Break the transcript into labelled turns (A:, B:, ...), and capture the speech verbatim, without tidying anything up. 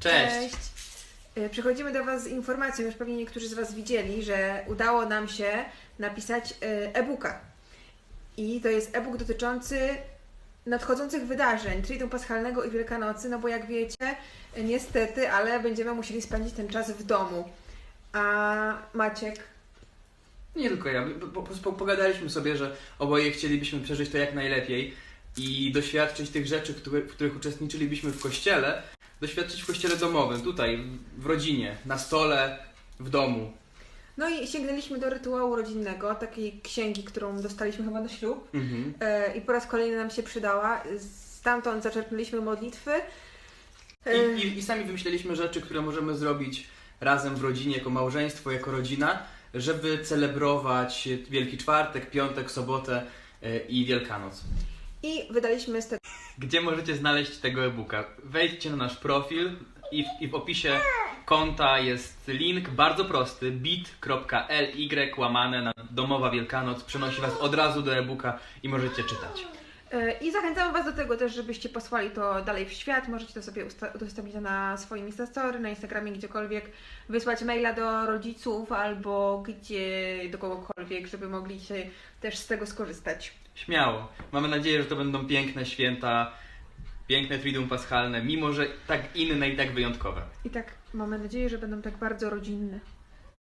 A: Cześć!
B: Cześć! Przychodzimy do Was z informacją, już pewnie niektórzy z Was widzieli, że udało nam się napisać e-booka. I to jest e-book dotyczący nadchodzących wydarzeń, Triduum Paschalnego i Wielkanocy, no bo jak wiecie, niestety, ale będziemy musieli spędzić ten czas w domu. A Maciek?
A: Nie tylko ja, po prostu pogadaliśmy sobie, że oboje chcielibyśmy przeżyć to jak najlepiej i doświadczyć tych rzeczy, które, w których uczestniczylibyśmy w kościele, doświadczyć w kościele domowym, tutaj, w rodzinie, na stole, w domu.
B: No i sięgnęliśmy do rytuału rodzinnego, takiej księgi, którą dostaliśmy chyba na ślub.
A: Mhm.
B: E, I po raz kolejny nam się przydała. Stamtąd zaczerpnęliśmy modlitwy.
A: E... I, i, I sami wymyśleliśmy rzeczy, które możemy zrobić razem w rodzinie, jako małżeństwo, jako rodzina, żeby celebrować Wielki Czwartek, Piątek, Sobotę e, i Wielkanoc.
B: I wydaliśmy z tego...
A: Gdzie możecie znaleźć tego e-booka? Wejdźcie na nasz profil i w, i w opisie konta jest link bardzo prosty bit.ly łamane na Domowa Wielkanoc. Przenosi Was od razu do e-booka i możecie czytać.
B: I zachęcamy Was do tego też, żebyście posłali to dalej w świat. Możecie to sobie udostępnić na swoim Instastory, na Instagramie, gdziekolwiek. Wysłać maila do rodziców albo gdzie, do kogokolwiek, żeby mogli się też z tego skorzystać.
A: Śmiało. Mamy nadzieję, że to będą piękne święta, piękne Triduum Paschalne, mimo że tak inne i tak wyjątkowe.
B: I tak mamy nadzieję, że będą tak bardzo rodzinne.